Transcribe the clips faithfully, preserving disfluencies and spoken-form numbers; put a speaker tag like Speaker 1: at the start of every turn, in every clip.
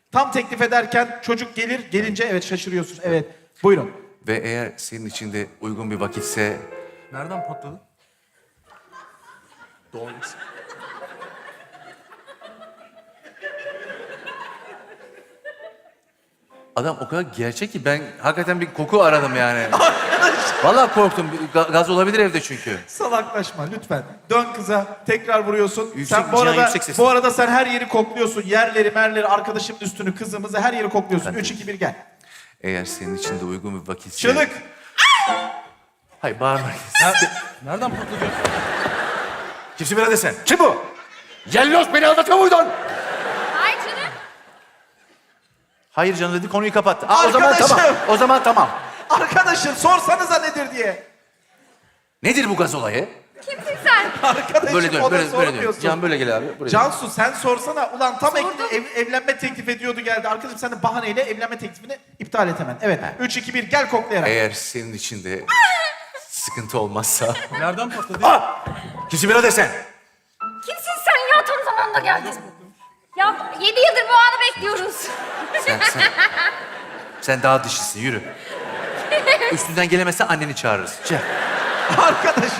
Speaker 1: Tam teklif ederken çocuk gelir, gelince evet şaşırıyorsun. Evet, buyurun.
Speaker 2: Ve eğer senin için de uygun bir vakitse...
Speaker 3: Nereden patladı? Doğru.
Speaker 2: Adam o kadar gerçek ki ben hakikaten bir koku aradım yani. Vallahi korktum. Bir ga- Gaz olabilir evde çünkü.
Speaker 1: Salaklaşma lütfen. Dön kıza, tekrar vuruyorsun.
Speaker 2: Yüksek-
Speaker 1: sen bu
Speaker 2: Cihan,
Speaker 1: arada
Speaker 2: yüksek sesle.
Speaker 1: bu arada sen her yeri kokluyorsun. Yerleri, merleri, arkadaşımın üstünü, kızımızı her yeri kokluyorsun.
Speaker 2: Ben de-
Speaker 1: üç iki bir gel.
Speaker 2: Eğer senin için de uygun bir vakitse...
Speaker 1: Çığlık.
Speaker 2: Hayır bağırma.
Speaker 3: Nerede, nereden patladı?
Speaker 2: Kimsin birader sen? Kim bu? Yellos beni aldatıyor muydun?
Speaker 4: Ay canım.
Speaker 2: Hayır canım dedi konuyu kapattı. Aa, o zaman
Speaker 1: Arkadaşım.
Speaker 2: tamam. O zaman tamam.
Speaker 1: Arkadaşım sorsanıza nedir diye.
Speaker 2: Nedir bu gaz olayı?
Speaker 4: Kimsin sen?
Speaker 1: Arkadaşım
Speaker 2: Böyle dön,
Speaker 1: o da
Speaker 2: böyle, böyle dön.
Speaker 1: sormuyorsun.
Speaker 2: Can böyle gel abi. Buraya.
Speaker 1: Cansu sen sorsana. Ulan tam
Speaker 4: Sordum.
Speaker 1: ek- ev- evlenme teklif ediyordu geldi. Arkadaşım sen de bahaneyle evlenme teklifini iptal et hemen. Evet. üç iki bir gel koklayarak.
Speaker 2: Eğer senin için de sıkıntı olmazsa...
Speaker 3: Nereden patladı?
Speaker 2: Aa! Kimsin birader sen?
Speaker 4: Kimsin sen ya? Tam zamanında geldin. Ya yedi yıldır bu anı bekliyoruz.
Speaker 2: Sen, sen, sen daha dişisin, yürü. Üstünden gelemezsen anneni çağırırız. Gel.
Speaker 1: Arkadaşım.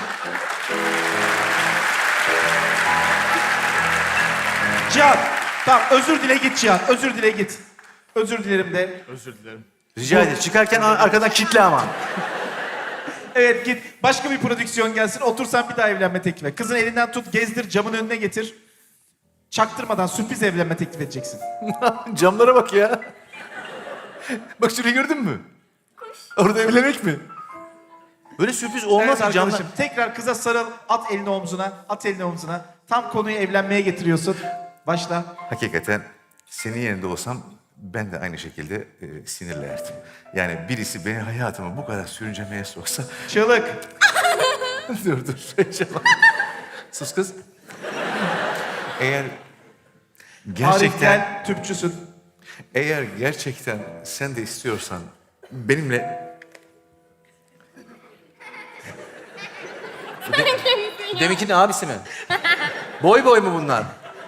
Speaker 1: Cihan. Tamam özür dile git Cihan. Özür dile git. Özür dilerim de.
Speaker 3: Özür dilerim.
Speaker 2: Rica ederim. Çıkarken ar- arkadan kitle ama.
Speaker 1: Evet git. Başka bir prodüksiyon gelsin. Otursan bir daha evlenme teklif et. Kızın elinden tut, gezdir, camın önüne getir. Çaktırmadan sürpriz evlenme teklif edeceksin.
Speaker 2: Camlara bak ya. Bak şurayı gördün mü? Orada evlenmek mi? Böyle sürpriz olmaz
Speaker 1: Evet
Speaker 2: ki camlar.
Speaker 1: arkadaşım. Tekrar kıza sarıl. At elini omzuna. At elini omzuna. Tam konuyu evlenmeye getiriyorsun. Başla.
Speaker 2: Hakikaten senin yerinde olsam ben de aynı şekilde e, sinirlerdim. Yani birisi beni hayatıma bu kadar sürüncemeye soksa...
Speaker 1: Çığlık.
Speaker 2: dur dur. heyecanlandım. Sus kız. Eğer
Speaker 1: Arif
Speaker 2: gerçekten...
Speaker 1: gel. Tüpçüsün.
Speaker 2: Eğer gerçekten sen de istiyorsan benimle... Deminkinin abisi mi? Boy boy mu bunlar?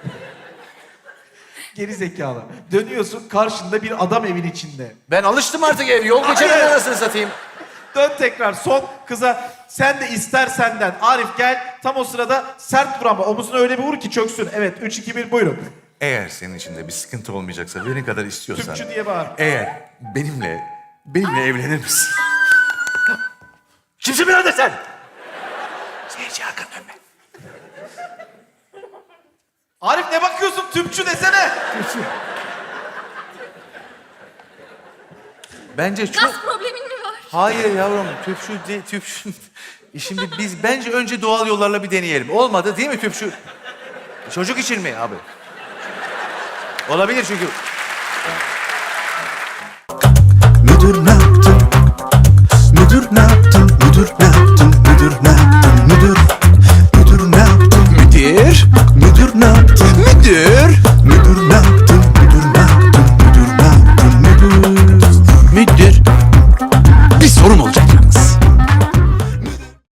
Speaker 1: Geri zekalı. Dönüyorsun karşında bir adam evin içinde.
Speaker 2: Ben alıştım artık ev. Yol geçerim
Speaker 1: Hayır.
Speaker 2: anasını satayım.
Speaker 1: Dön tekrar son kıza sen de ister senden. Arif gel. Tam o sırada sert vur ama omuzuna öyle bir vur ki çöksün. Evet üç iki bir buyurun.
Speaker 2: Eğer senin içinde bir sıkıntı olmayacaksa, beni kadar istiyorsan...
Speaker 1: Tüpçü diye bağır.
Speaker 2: Eğer benimle, benimle evlenir misin? Kimsin birader sen? Seyirci Hakan dönme.
Speaker 1: Arif ne bakıyorsun tüpçü desene.
Speaker 2: Bence çok...
Speaker 4: Gaz problemin mi var?
Speaker 2: Hayır yavrum, tüpçü değil, tüpçü... Şimdi biz bence önce doğal yollarla bir deneyelim. Olmadı değil mi tüpçü? Çocuk için mi abi? Olabilir çünkü...
Speaker 5: Müdür ne yaptın? Müdür ne yaptın? Müdür ne yaptın? Müdür ne yaptın? Müdür Müdür ne yaptın? Müdür Müdür ne yaptın? Müdür